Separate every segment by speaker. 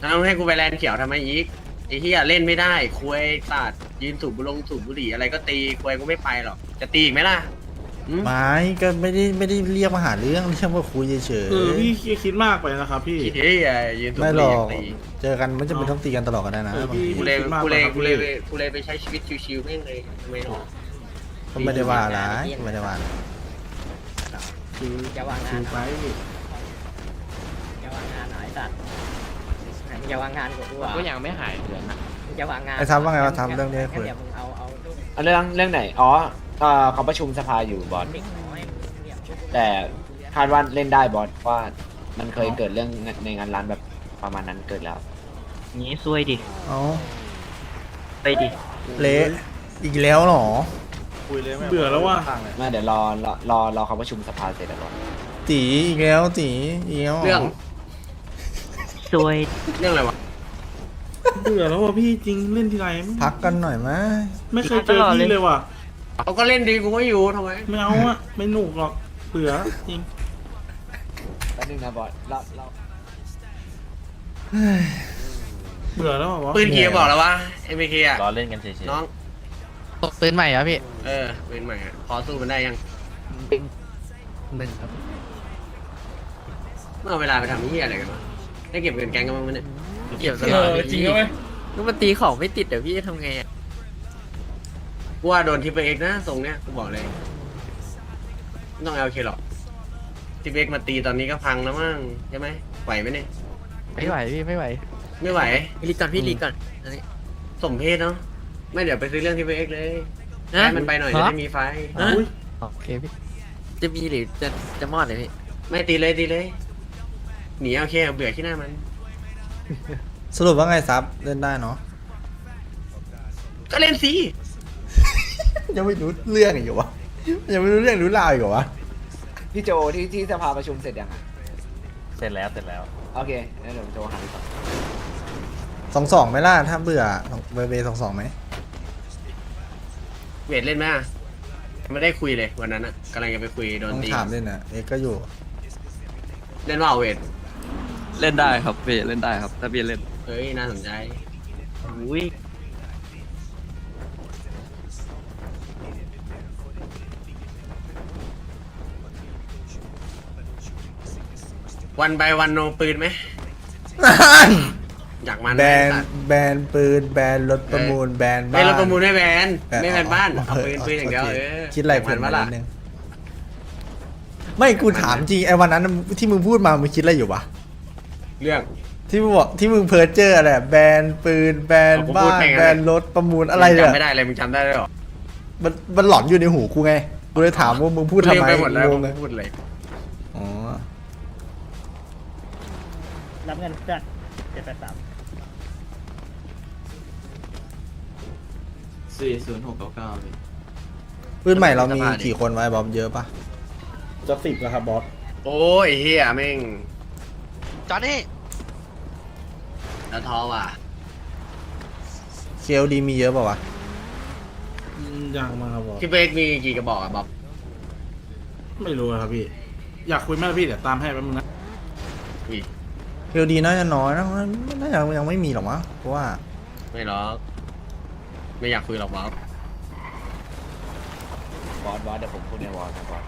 Speaker 1: เอาให้กูไปแลนด์เขียวทำไมอีกไอ้เหี้ยเล่นไม่ได้คุยสัตว์ยืนสูบบุหรี่อะไรก็ตีคุยกูไม่ไปหรอกจะตีอีกไหมล่ะ
Speaker 2: ไม่ก็ไม่ได้เรียกมาหาเรื่องว่าคุยเฉยๆ
Speaker 3: พี่คิดมากไปนะครับพี่
Speaker 1: เฮ้ยยืนสูบ
Speaker 2: ไม่
Speaker 1: บุห
Speaker 2: หร
Speaker 1: รี่
Speaker 2: อก
Speaker 1: ตี
Speaker 2: เจอกันไม่จำเป็นต้องตีกันตลอดกันได้นะบางที
Speaker 1: กูเลยไปใช้ชีวิตชิวๆแม่งเลยทำไมหรอ
Speaker 2: ก็ไม่ได้ว่าอะไรไม่ได้ว่า
Speaker 4: จะวางงาน
Speaker 3: ไป
Speaker 4: จะวางงานหน่อยสัตว์จะวางงานกูด้วย
Speaker 5: ก็ยังไม่หายเดือนนะ
Speaker 4: จะวางงาน
Speaker 2: ไอ้ทำว่าไงว่าทำเรื่องนี้คุย
Speaker 4: เดี๋ยวมึงเอา
Speaker 5: เรื่องไหนอ๋อเขาประชุมสภาอยู่บอสแต่คาดว่าเล่นได้บอสว่ามันเคยเกิดเรื่องในงานร้านแบบประมาณนั้นเกิดแล้ว
Speaker 6: งี้ซวยดิ
Speaker 2: เอา
Speaker 6: ไปดิ
Speaker 2: เละอีกแล้วเหรอ
Speaker 3: เบื่อแล้วว่ะ
Speaker 5: ไม่เดี๋ยวรอเขาประชุมสภาเสร็จแล้วบอส
Speaker 2: ตีอีกแล้วตีอีกแล้ว
Speaker 1: เรื่อง
Speaker 6: ซวย
Speaker 1: เรื่องอะไรวะ
Speaker 3: เบื่อแล้วว่ะพี่จริงเล่นทีไร
Speaker 2: พักกันหน่อยไหม
Speaker 3: ไม่เคยเจอพี่เลยว่ะ
Speaker 1: เขาก็เล่นดีกูก็อยู่ทำไม
Speaker 3: ไม่เอาอะไม่หนุกหรอกเบื่อจริง
Speaker 5: แป๊บนึงนะบอสเรา
Speaker 3: เบื่อแล้ววะ
Speaker 1: ปืนเกียร์บอกแล้ววะเอ็มเคอะ
Speaker 7: รอเล่นกันเฉย
Speaker 1: น้อง
Speaker 6: ปืนใหม่เหรอพี่
Speaker 1: ปืนใหม่อะพอสู้มันได้ยัง
Speaker 6: หนึ่งครับ
Speaker 1: เมื่อเวลาไปทำนี่อะไรกันวะได้เก็บเงินแกงกันบ้างไหมเนี่ย
Speaker 6: เกี่ยวตลอดจริงไหมก็มันตีของไม่ติดเดี๋ยวพี่จะทำไงอ่ะ
Speaker 1: กูว่าโดนทีเปเอ็กนะทรงเนี้ยกูบอกเลยไม่ต้องเอาเคหรอกทีเปเอ็กมาตีตอนนี้ก็พังแล้วมั้งใช่ไหมไหวไหมเนี่ย
Speaker 6: ไม่ไหวพี่ไม่ไหว
Speaker 1: ไม่ไหว
Speaker 6: พี่ลีก่อนพี่ลีก่อนอันนี้
Speaker 1: สมเพศเนาะไม่เดี๋ยวไปซื้อเรื่องทีเปเอ็กเลย
Speaker 6: นะ
Speaker 1: ให้มันไปหน่อยจะได้มีไฟ
Speaker 3: อุ้ย
Speaker 6: โอเคพี่จะมีหรือจะมอดเลยพี่
Speaker 1: ไม่ตีเลยหนีเอาเคเบื่อขี้หน้ามัน
Speaker 2: สรุปว่าไงซับเล่นได้เนาะ
Speaker 1: ก็เล่นสิ
Speaker 2: ยังไม่รู้เรื่องอีกเหรอวะยังไม่รู้เรื่องรู้ราวอีกเหรอวะ
Speaker 5: พี่โจที่สภาประชุมเสร็จยังอ่ะ
Speaker 7: ๆเสร็จแล้ว
Speaker 5: โอเคแล้วเดี๋ยวโจหาดีกว่า
Speaker 2: 2-2ไหมล่ะถ้าเบื่อเบ2-2ไหม
Speaker 1: เวทเล่นไหมอะไม่ได้คุยเลยวันนั้นอะกำลังจะไปคุยโดน
Speaker 2: ต้อง
Speaker 1: ตี
Speaker 2: ถามเล่นนะเอ็กก็อยู่
Speaker 1: เล่นว่าเวท
Speaker 8: เล่นได้ครับพี่เล่นได้ครับถ้าพี่เล่น
Speaker 1: เฮ้ยน่าสนใจ
Speaker 6: อุ้ย
Speaker 1: วันไปวันโนปืนไหมอยากมัน
Speaker 2: แบ
Speaker 1: ไหม
Speaker 2: น
Speaker 1: สัตว์
Speaker 2: แบนปืนแบนรถประมูลแบนบ้าน
Speaker 1: ไม่เราประมูลไม่แบน
Speaker 2: แบน
Speaker 1: ไม่แบนบ้านเอา
Speaker 2: โ
Speaker 1: ปืนอย่างเดียว
Speaker 2: โค
Speaker 1: เ
Speaker 2: คิดอะไร
Speaker 1: ยาก
Speaker 2: เพื่อน
Speaker 1: มั
Speaker 2: มาน
Speaker 1: ล่ะ
Speaker 2: นิดนึงไม่กูถามจริงไอ้วันนั้นที่มึงพูดมามึงคิดอะไรอยู่วะ
Speaker 1: เรื่อง
Speaker 2: ที่มึงบอกที่มึงเพิร์เจอร์อะไรแบนปืนแบน
Speaker 1: เอาผม
Speaker 2: บ้า
Speaker 1: พูด
Speaker 2: น
Speaker 1: ไปงั้น
Speaker 2: แบนรถประมูลอะไรเนี่ย
Speaker 1: จำไม่ได้เลยมึงจำได้หรอ
Speaker 2: มันหลอนอยู่ในหูกูไงกูเลยถามว่ามึงพูดทำไม
Speaker 1: ลืไปหมดแล้ว
Speaker 2: งงเลย
Speaker 1: พูดเลย
Speaker 2: อ๋อ
Speaker 4: รับเงินเพื่อน783
Speaker 8: 40699พี่
Speaker 2: ปืนใหม่เรามีกี่คนไว้บอมเยอะปะ
Speaker 3: จะ10แล้วครับบอส
Speaker 1: โอ้ยเฮียแม่ง
Speaker 6: จอนี่
Speaker 1: แล้วท้อว่ะ
Speaker 2: เคลดีมีเยอะปะวะ
Speaker 3: ยังมาครับบอส
Speaker 1: ที่เบกมีกี่กระบอกอะบ๊อบ
Speaker 3: ไม่รู้ครับพี่ อยากคุยมากพี่เดี๋ยวตามให้แป๊บนึงนะ
Speaker 1: อุ้ย
Speaker 2: เคลดีน่าจะน้อยนะน่าจะยังไม่มีหรอกมั้งเพราะว่า
Speaker 1: ไม่หรอกไม่อยากคุยหรอกบ๊อบบ
Speaker 5: อสเดี๋ยวผมพูดในวอลนะบอส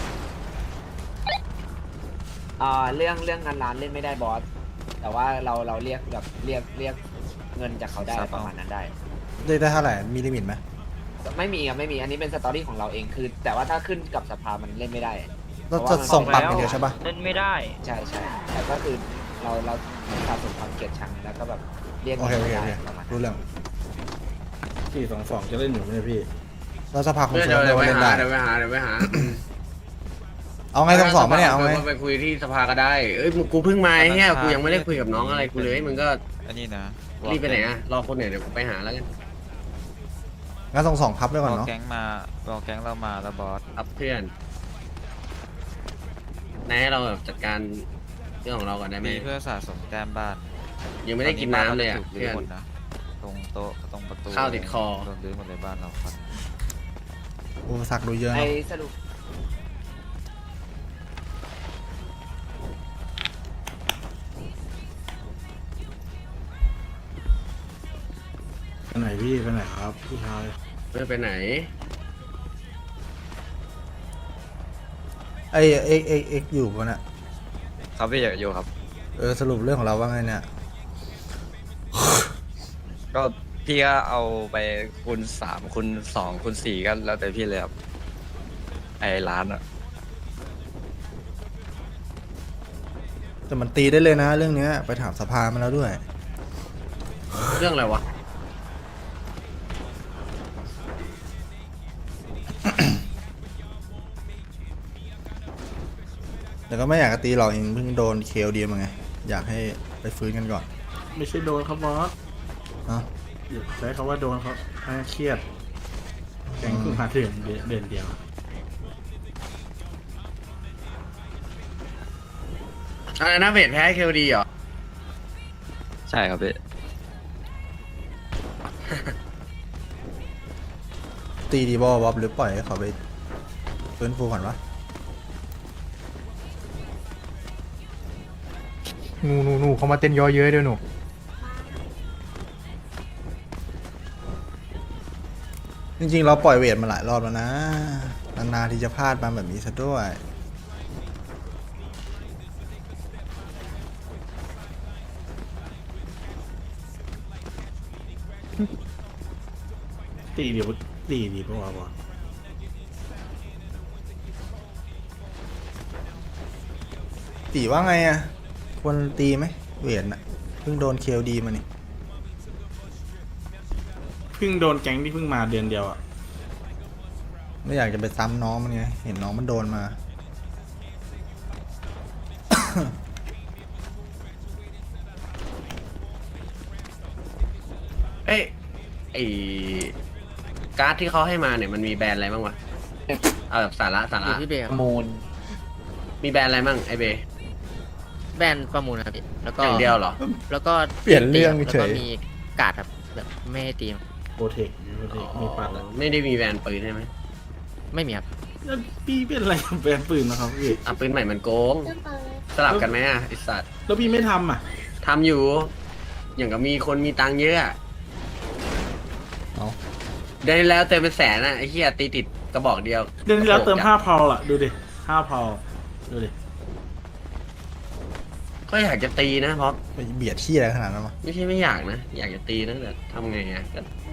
Speaker 5: เรื่องงานร้านเล่นไม่ได้บอสแต่ว่าเราเรียกแบบเรียกเงินจากเขาได้ประมาณนั้นได้
Speaker 2: ได้เท่าไหร่มีลิมิตไหม
Speaker 5: ไม่มีอันนี้เป็นสตอรี่ของเราเองคือ แต่ว่าถ้าขึ้นกับสภามันเล่นไม่ได้
Speaker 2: เราจะส่งปรับอย่างเดียวใช่ปะ
Speaker 6: เล่นไม่ได้
Speaker 5: ใช่แต่ก็คือเราสะสมความเกลียดชังแล้วก็แบบเรียก
Speaker 2: โอเคโอเค
Speaker 5: ได้
Speaker 2: โอเค
Speaker 5: ประมาณ
Speaker 2: รู้เรื่อง
Speaker 3: 422จะเล่นอยู่ไหมเนี่ยพี่
Speaker 2: เราสภาคอน
Speaker 1: เดี๋
Speaker 2: เฟิร์ม
Speaker 1: ยว
Speaker 2: ได้ว่า
Speaker 1: ไป
Speaker 2: เล่น
Speaker 1: หา
Speaker 2: ได้
Speaker 1: เดี๋ยวไปหา
Speaker 2: เอาไง2-2ไหมเนี่ยเอาไง
Speaker 1: ไปคุยที่สภาก็ได้เอ้ยกูเพิ่งมาเนี่ยกูยังไม่ได้คุยกับน้องอะไรกูเลยมึงก็
Speaker 8: อันนี้นะ
Speaker 1: รีบไปไหนอะรอคนเนี่ยเดี๋ยวกูไปหาแล้วกัน
Speaker 2: งั้น2-2พับไว้ก่อน
Speaker 8: รอ
Speaker 2: เนาะ
Speaker 8: แก๊งมาเรามาแล้วบอส
Speaker 1: ครับเพื่อนนายให้เราแบบจัดการเรื่องของเราก่อนได้ไหม
Speaker 8: มีเพื่อสะสมแต้มบ้าน
Speaker 1: ยังไม่ได้กินน้ำเลยอะ
Speaker 8: ตนนี้
Speaker 1: เพื่อน
Speaker 8: บ้านราจะถูกรื้อหมดนะตรงโต๊ะตรงประตู
Speaker 1: ข้าวติดคอ
Speaker 8: โดนรื้อหมดเลยบ้านเราครับ
Speaker 2: อุปสรรคดูเยอะ
Speaker 5: ไอ้
Speaker 2: เนาะ
Speaker 5: สรุป
Speaker 3: ไปไหนพี่ไปไหนครับพี่ชาย
Speaker 1: ไม่ไปไหน
Speaker 2: ไอเอ็กอยู่ปะเนี่ย
Speaker 8: ครับพี่อยากอยู่ครับ
Speaker 2: สรุปเรื่องของเราว่าไงเนี่ย
Speaker 8: ก็พี่ก็เอาไปคูณ3คูณ2คูณ4ก็แล้วแต่พี่เลยครับไอ้ร้านอะ
Speaker 2: แต่มันตีได้เลยนะ เรื่องเนี้ยไปถามสภามาแล้วด้วย
Speaker 1: เรื่องอะไรวะ
Speaker 2: แต่ก็ไม่อยากจะตีหรอกเองเพิ่งโดนเคลดีมาไง อยากให้ไปฟื้นกันก่อน
Speaker 3: ไม่ใช่โดนครับบอส
Speaker 2: เนาะ
Speaker 3: อย่าใช้คำว่าโดนครับเครียดแกงเพิ่งมาถึงเดือนเดียว
Speaker 1: อะไรนะเวทแพ้เคลดีเหรอ
Speaker 8: ใช่ครับพี่
Speaker 2: ตีดีบอบ๊อบหรือปล่อยให้เขาไปฟื้นฟูก่อนวะ
Speaker 7: หนูเขามาเต้นย่อเย้ยด้วยหนู
Speaker 2: จริงๆเราปล่อยเวทมาหลายรอบแล้วนะนานๆที่จะพลาดมาแบบนี้ซะด้วย
Speaker 3: ตีเดี๋ยวตีดีปะวะบอส
Speaker 2: ตีว่าไงอะควรตีไหมเวทน่ะเพิ่งโดนเคลดีมานี่
Speaker 3: เพิ่งโดนแก๊งที่เพิ่งมาเดือนเดียวอ่ะ
Speaker 2: ไม่อยากจะไปซ้ำน้องมันไงเห็นน้องมันโดนมา
Speaker 1: เอ้ยไอการ์ดที่เขาให้มาเนี่ยมันมีแบรนด์อะไรบ้างวะ เอาแบบสาระ
Speaker 6: อยู่ที่เบย์
Speaker 5: ประมูล
Speaker 1: มีแบรนด์อะไรบ้างไอเบ
Speaker 6: แบนประมูลครับพี่แล้วก็
Speaker 1: อย่างเดียวเหรอ
Speaker 6: แล้วก็
Speaker 2: เปลี่ยนเรื่อง
Speaker 6: แล้ว
Speaker 2: เฉ
Speaker 6: ก็
Speaker 2: ย
Speaker 6: มีการ์ดครับแบบไม่ให้ตีม
Speaker 3: โปรเทคมีปัดแล้ว
Speaker 1: ไม่ได้มีแบรนด์ปืนใช่ไหม
Speaker 6: ไม่มีครับ
Speaker 3: แล้วพี่เป็นอะไรกับแบรนด์ปืนนะครับพี่
Speaker 1: อ่ะปืนใหม่มันโกง สลับกันไหมอ่ะไอสัตว์
Speaker 3: แล้วพี่ไม่ทำอ่ะ
Speaker 1: ทำอยู่ อย่างกับมีคนมีตังค์เยอะอะ
Speaker 2: เอา
Speaker 1: เดือนที่แล้วเติมเป็นแสนอ่ะไอ้เหี้ยตีติดกระบอกเดียว
Speaker 3: เดือนที่แล้วเติม5 พาวล่ะดูดิ5 พาวดูดิ
Speaker 1: ก็อยากจะตีนะเพราะ
Speaker 2: ไปเบียดที่อะไรขนาดนั้นวะ
Speaker 1: ไม่ใช่ไม่อยากนะ อยากจะตีนะแต่ทำไงอ่ะ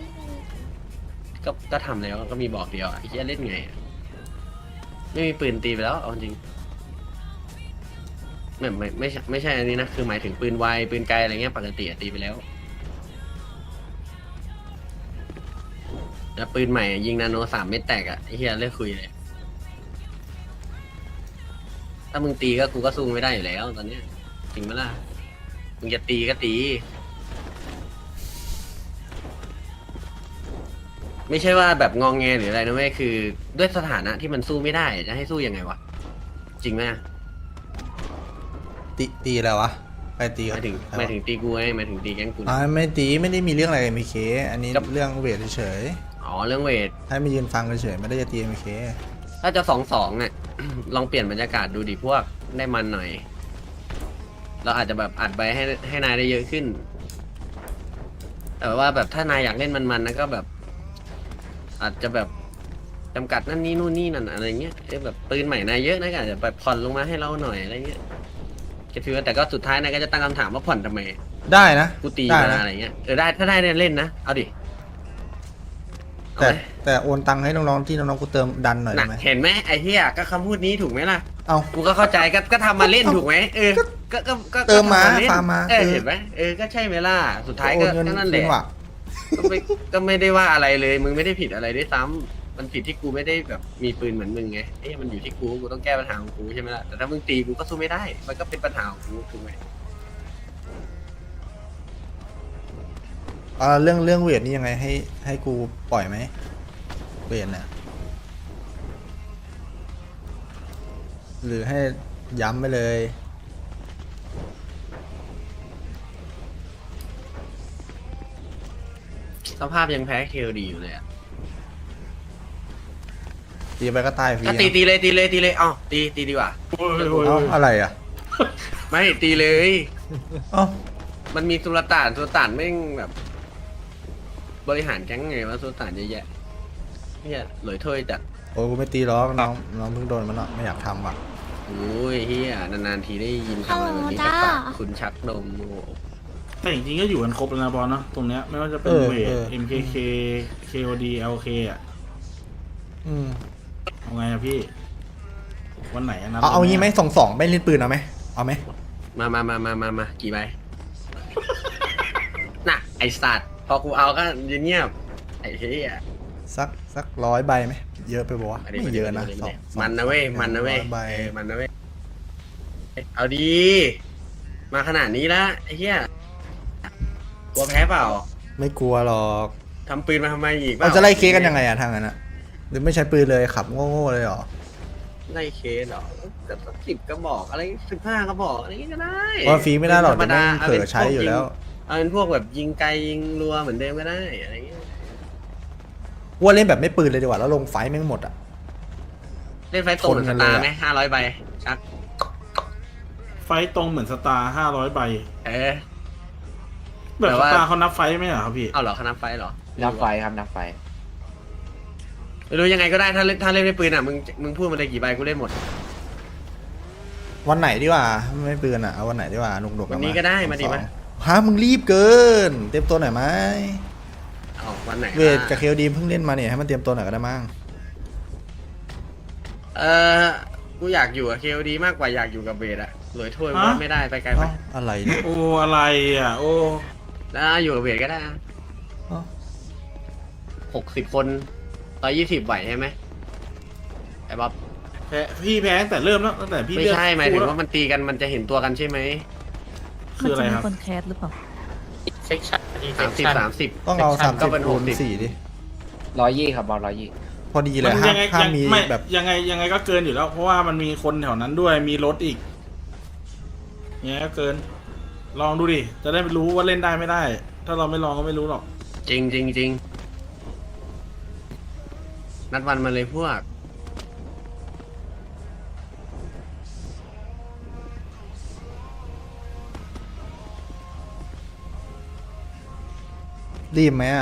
Speaker 1: ก็ทำแล้วก็มีบอกเดียวอ่ะไอ้เหี้ยเล่นไงอะไม่มีปืนตีไปแล้วเอาจริงไม่ใช่อันนี้นะคือหมายถึงปืนไวปืนไกลอะไรเงี้ยปกติอะตีไปแล้วแล้วปืนใหม่อะยิงนาโน3 เม็ดแตกอ่ะไอ้เหี้ยเลิกคุยเลย ถ้ามึงตีก็กูก็สู้ไม่ได้อยู่แล้วตอนเนี้ยจริงไหมล่ะมึงจะตีก็ตี ไม่ใช่ว่าแบบงองแงหรืออะไรนะเว้ยคือ ด้วยสถานะที่มันสู้ไม่ได้จะให้สู้ยังไงวะจริงไหมอะ
Speaker 2: ตีอะไรวะไปตี
Speaker 1: หมายถึงตีกูไงหมายถึงตีแก๊งกู
Speaker 2: อ่าไม่ตีไม่ได้มีเรื่องอะไรกับมีเคอันนี้
Speaker 1: กับ
Speaker 2: เรื่องเวทเฉย
Speaker 1: อ๋อเรื่องเวท
Speaker 2: ๆให้มายืนฟังเฉยๆไม่ได้จะตีมีเค
Speaker 1: ถ้าจะ2-2เนี่ย ลองเปลี่ยนบรรยากาศดูดิพวกได้มันหน่อย เราอาจจะแบบอัดไปให้นายได้เยอะขึ้น แต่ว่าแบบถ้านายอยากเล่นมันๆนะก็แบบ อาจจะแบบจำกัดนั่นนี่นู่นนี่นั่นอะไรเงี้ยแบบปืนใหม่นายเยอะนะก็อาจจะแบบผ่อนลงมาให้เราหน่อยอะไรเงี้ยก็ถือว่าแต่ก็สุดท้ายนายก็จะตั้งคำถามว่าผ่อนทำไม
Speaker 2: ได้นะ
Speaker 1: กูตี
Speaker 2: ได้
Speaker 1: มา
Speaker 2: นะ
Speaker 1: อะไรเงี้ยได้ถ้าได้เนี่ยเล่นนะเอาดิเอา
Speaker 2: แต่
Speaker 1: ไหม
Speaker 2: แต่โอนตังค์ให้น้องๆที่น้องๆกูเติมดันหน่อย
Speaker 1: น่ะ
Speaker 2: ได้ไหม
Speaker 1: เห็นไหมไอ้เหี้ยก็คำพูดนี้ถูกไหมล่ะ
Speaker 2: เอา
Speaker 1: กูก็เข้าใจก็ทำมาเล่นถูกไหมก็
Speaker 2: เติมมา
Speaker 1: ทำเล่น
Speaker 2: ฟาร์มมา
Speaker 1: เห็นไหมก็ใช่ไหมล่ะสุดท้าย
Speaker 2: โอ
Speaker 1: ก็
Speaker 2: นเงิน
Speaker 1: นั่นแห
Speaker 2: จริ
Speaker 1: ละ
Speaker 2: งว่ะ
Speaker 1: ก็ไม่ได้ว่าอะไรเลยมึงไม่ได้ผิดอะไรด้วยซ้ำมันผิดที่กูไม่ได้แบบมีปืนเหมือนมึงไงมันอยู่ที่กูต้องแก้ปัญหาของกูใช่ไหมล่ะแต่ถ้ามึงตีกูก็สู้ไม่ได้ มันก็เป็นปัญหาของกูถูกไหม
Speaker 2: เรื่องเวทนี่ยังไงให้กูปล่อยไหมเวทเนี่ยหรือให้ย้ำไปเลย
Speaker 1: สภาพยังแพ้เคลดีอยู่เลยอ่ะ
Speaker 2: ตีไปก็ตายฟรี
Speaker 1: ก็ตีเลยเอ้าตีดีกว่า
Speaker 3: โอ้ยโอ้ย
Speaker 2: เอ้า
Speaker 3: โอ้ย
Speaker 2: อะไรอ่ะ
Speaker 1: ไม่ตีเลย
Speaker 2: เอ้า
Speaker 1: มันมีสุลต่านแม่งแบบบริหารแก๊งไงวะสุสานเยอะแยะเฮียหลอยถ้วยจัด
Speaker 2: โอ้ยกูไม่ตีหรอกน้องเพิ่งโดนมันเนาะไม่อยากทำว่ะ
Speaker 1: โอ้ยเฮียนานๆทีได้ยินคำอะไรแบบนี้จากปากคุณชักนมโอ้โห
Speaker 3: แต่จริงๆก็อยู่กันครบแล้วนะบอลเนาะตรงเนี้ยไม่ว่าจะเป็นเวท MKK KOD LK อ่ะ
Speaker 2: อืม
Speaker 3: เอาไงอะพี่ วันไหนอะนะ
Speaker 2: เอางี้ไหม2-2ไม่เล่นปืนเอาไหมเอาไหม
Speaker 1: มากี่ใบ น่ะไอสัตว์พอกูเอาก็เงียบไอ้เฮีย
Speaker 2: สัก100 ใบไหมเยอะไปปะวะไม่เยอะนะสอง
Speaker 1: มันนะเว้ยมันนะเว้ย
Speaker 2: 100 ใบ
Speaker 1: มันนะเว้ยเอาดีมาขนาดนี้ละไอ้เหี้ยกลัวแพ้เปล่า
Speaker 2: ไม่กลัวหรอก
Speaker 1: ทำปืนมาทำไมอีก
Speaker 2: เราจะไล่เคสกันยังไงอะทางนั้นอะหรือไม่ใช้ปืนเลยขับโง่ๆเลยเหรอ
Speaker 1: ไล่เคสเหรอแต่สัก10 กระบอกอะไร15 กระบอกอะไรอย่างงี้ก็ได้
Speaker 2: เพราะฟรีไม่ได้หรอก
Speaker 1: ธรรม
Speaker 2: เดี๋ยว
Speaker 1: ดา
Speaker 2: ไม่งเผลอใช้อยู่แล้ว
Speaker 1: เอาเป็นพวกแบบยิงไกลยิงรัวเหมือนเดิมก็ได้อะไรอย่างเงี้ย
Speaker 2: ว่าเล่นแบบไม่ปืนเลยดีกว่าแล้วลงไฟแม่งหมดอะ
Speaker 1: เล่นไฟตรงเหมือน
Speaker 2: ช
Speaker 1: ส
Speaker 2: นกันเลย
Speaker 1: ตาร์
Speaker 2: อะ
Speaker 1: ไหม500 ใบชัก
Speaker 3: ไฟตรงเหมือนสตาร์500 ใบ
Speaker 1: เออ
Speaker 3: แบบ
Speaker 1: แต่
Speaker 3: ส
Speaker 1: ว่า
Speaker 3: ตาร์เขานับไฟไหมเหรอครับพี่
Speaker 1: เอาเหรอคณะไฟเหรอ
Speaker 5: นับไฟครับนับไฟ
Speaker 1: ไม่รู้ยังไงก็ได้ถ้าเล่นไม่ปืนอ่ะมึงพูดมาเลยกี่ใบกูเล่นหมด
Speaker 2: วันไหนดีกว่าไม่ปืนอะเอาวันไหนดีกว่าหนุกๆ
Speaker 1: วันนี้ก็ได้มาดิมา
Speaker 2: ฮะมึงรีบเกิน เตรียมตัวหน่อยไหม
Speaker 1: เอาวันไหน
Speaker 2: เวทกับเคลดีมเพิ่งเล่นมาเนี่ยให้มันเตรียมตัวหน่อยก็ได้มั้ง
Speaker 1: เออกูอยากอยู่กับเคลดีมากกว่าอยากอยู่กับเบสอะหลอยถ้วย
Speaker 3: ฮะ
Speaker 1: ว่าไม่ได้ไปไกลไป
Speaker 2: เอ้าอะไรเนี่ย
Speaker 3: โอ้อะไรอ่ะ โอ้
Speaker 1: แล้วอยู่กับเบสก็ได้
Speaker 2: เอ้า
Speaker 1: 60 คน120ไหวใช่ไหมไอ้บ๊อบ
Speaker 3: แพ้พี่แพ้ตั้งแต่เริ่มแล้วตั้งแต่พี่
Speaker 1: ไม่
Speaker 3: เลือก
Speaker 1: ใช่หมายถึง
Speaker 3: คู่
Speaker 1: ว่ามันตีกันมันจะเห็นตัวกันใช่ไหม
Speaker 3: คืออะไรครับ
Speaker 9: มันจมีคนแคสหรือเปล่า
Speaker 6: เซ็กชัน
Speaker 1: 30
Speaker 2: ต้องเอา
Speaker 1: ก็เป็น
Speaker 2: 30คูณ
Speaker 1: 60
Speaker 2: 4ดิ
Speaker 5: 120ครับบอล120
Speaker 2: พอดีเล
Speaker 3: มั
Speaker 2: ย
Speaker 3: น
Speaker 2: ห้า
Speaker 3: ยังไง
Speaker 2: ห้ามมี
Speaker 3: ไม่
Speaker 2: แบบ
Speaker 3: ยังไงก็เกินอยู่แล้ว เพราะว่ามันมีคนแถวนั้นด้วยมีรถอีกยังไงก็เกิน ลองดูดิ จะได้รู้ว่าเล่นได้ไม่ได้ ถ้าเราไม่ลองก็ไม่รู้หรอก
Speaker 1: จริงนัดวันมาเลยพวก
Speaker 2: รีบไหมอะ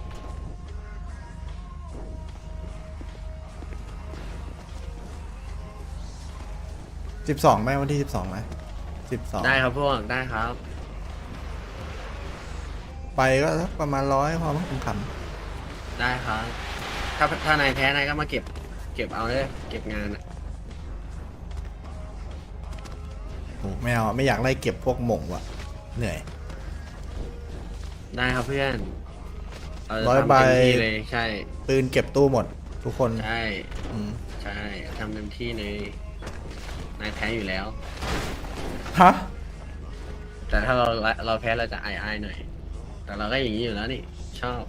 Speaker 2: 12ไหมวันที่12ไหม12
Speaker 1: ได้ครับพวกได้ครับ
Speaker 2: ไปก็สักประมาณ100พอมั้งขำ
Speaker 1: ได้ครับถ้านายแพ้นายก็มาเก็บเอาเลยเก็บงานอะ
Speaker 2: โอ้ไม่เอาไม่อยากไล่เก็บพวกหม่งว่ะเหนื่อย
Speaker 1: ได้ครับเพื่อนเราจะ
Speaker 2: ร้อย
Speaker 1: ทำ
Speaker 2: ใบ
Speaker 1: เต็มที่เลยใช่
Speaker 2: ปืนเก็บตู้หมด ทุกคน
Speaker 1: ใช่
Speaker 2: อืม
Speaker 1: ใช่ทำเต็มที่เลยนายแพ้อยู่แล้ว
Speaker 2: ฮะ
Speaker 1: แต่ถ้าเราแพ้เราจะอายหน่อย แต่เราก็อย่างนี้อยู่แล้วนี่ชอบ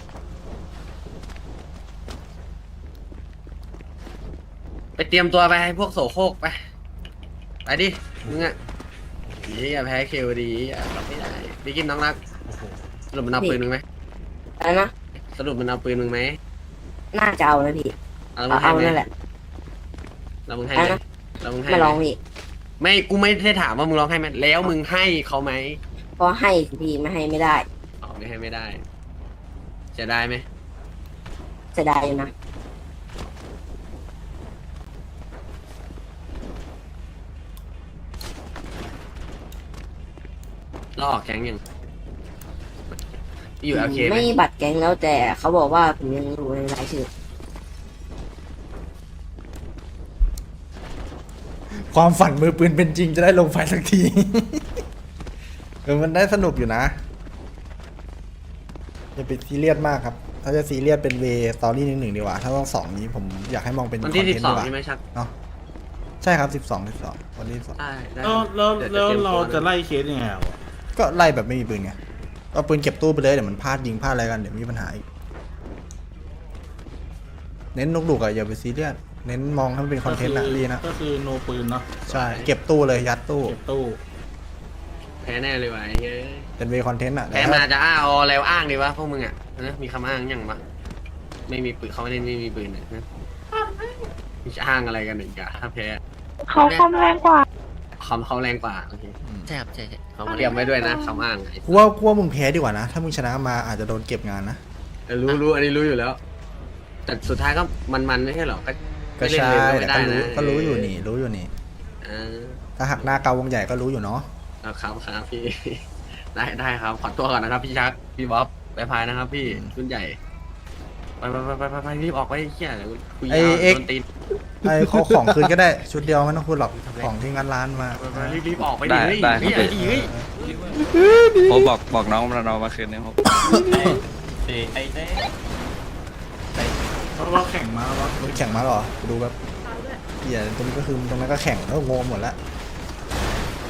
Speaker 1: ไปเตรียมตัวไปให้พวกโสโครกไปดิมึงอะนี่อย่าแพ้เคลดีรับไม่ได้พี่กินน้องรักสรุปมันเอาปืนมึงไหม
Speaker 4: อะไรนะ
Speaker 1: สรุปมันเอาปืนมึงไหม
Speaker 4: น่าจะเอานะพี่
Speaker 1: เอามึงให้
Speaker 4: เอา
Speaker 1: ไหม
Speaker 4: นั่นแหละ
Speaker 1: เรามึงให้ไหม
Speaker 4: อะไรนะ
Speaker 1: เรามึงให้
Speaker 4: ไม่
Speaker 1: ไหม
Speaker 4: ลองพี่
Speaker 1: ไม่กูไม่ได้ถามว่ามึงร้องให้ไหมแล้วมึงให้เขาไหม
Speaker 4: เพราะให้สิพี่ไม่ให้ไม่ได้
Speaker 1: อ๋อไม่ให้ไม่ได้ จะได้ไหม
Speaker 4: เสียดายอยู่นะ
Speaker 1: เราออกแก๊งยังอยู่โอเคไหม
Speaker 4: ไม่บัตรแก๊งแล้วแต่เขาบอกว่าผมยังอยู่ในรายชื่อ
Speaker 2: ความฝันมือปืนเป็นจริงจะได้ลงไฟสักที มันได้สนุกอยู่นะอย่าไปซีเรียสมากครับ ถ้าจะซีเรียสเป็นเวสตอรี่หนึ่งดีกว่า ถ้าต้อง2นี้ผมอยากให้มองเป็น
Speaker 1: วัน
Speaker 2: ค
Speaker 1: ที่
Speaker 2: อนเทนต์ดีกว่า
Speaker 1: 12ใช่ไหมชัก
Speaker 2: เนาะใช่ครับ12วันที่12
Speaker 1: ได้ได้
Speaker 3: แล้ว
Speaker 1: ดี๋ย
Speaker 3: แล้ว
Speaker 1: ตยม
Speaker 3: เรา
Speaker 1: ตัว
Speaker 3: จะไล่เคสยังไงอ่ะ
Speaker 2: ก็ไล่แบบไม่มีปืนไงเอาปืนเก็บตู้ไปเลยเดี๋ยวมันพลาดยิงพลาดอะไรกันเดี๋ยวมีปัญหาอีกเน้นนกดุกอะอย่าไปซีเรียสเน้นมองให้มันเป็นคอนเทนต์นะดีนะ
Speaker 3: ก็คือโนปืนเนาะ
Speaker 2: ใช่เก็บตู้เลยยัดตู้
Speaker 3: เก็บตู้
Speaker 1: แพ้แน่เลยว่ะไอ้เฮ้ย
Speaker 2: เป็นเวคอนเทนต์อะ
Speaker 1: แพ้มาจะอ้าเอาอะไรอ้างดีวะพวกมึงอ่ะนะมีคำอ้างยังปะไม่มีปืนเขาไม่ได้ไม่มีปืนเนี่ยนะมีจะอ้างอะไรกันหนึ่งกะถ้าแพ้
Speaker 9: เขาคอมแรงกว่า
Speaker 1: คำเขาแรงกว่าโอเค
Speaker 6: ใช่ครับใช่เขา
Speaker 1: เตรียมไว้ด้วยนะคำอ้างไอ้
Speaker 2: กูว่ามึงแพ้ดีกว่านะ ถ้ามึงชนะมาอาจจะโดนเก็บงานนะ
Speaker 1: เรู้อันนี้รู้อยู่แล้ว แต่สุดท้ายก็มันไม่ใช่หรอก็
Speaker 2: ก็
Speaker 1: ไม่เล่น
Speaker 2: ใช่
Speaker 1: เลยก็ไม่ได้นะ
Speaker 2: ก็รู้อยู่นี่รู้อยู่นี่
Speaker 1: เออ
Speaker 2: ถ้าหักหน้าเกาวงใหญ่ก็รู้อยู่เนาะ
Speaker 1: เอาครับพี่ ได้ครับขอตัวก่อนนะครับพี่ชักพี่บ๊อบไปพายนะครับ พี่รุ่นใหญ่ไปรีบออกไปเฮียคุยยาวโดนตีน
Speaker 2: ไอ้เขาของคืนก็ได้ชุดเดียวไม่ต้องพูดหรอกของที่งานร้านมา
Speaker 1: รีบออกไปดิเฮ้ย
Speaker 8: ได้
Speaker 1: เฮ้ย
Speaker 8: ครับ
Speaker 1: เฮ้ย
Speaker 8: ผมบอกน้องเรามาคืนนี้ครับ
Speaker 3: เพราะว่าแข่งมาแล้ว
Speaker 2: แข่งมาเหรอดูแบบเหี้ยตรงนี้ก็คือตรงนั้นก็แข่งแล้วงงหมดละ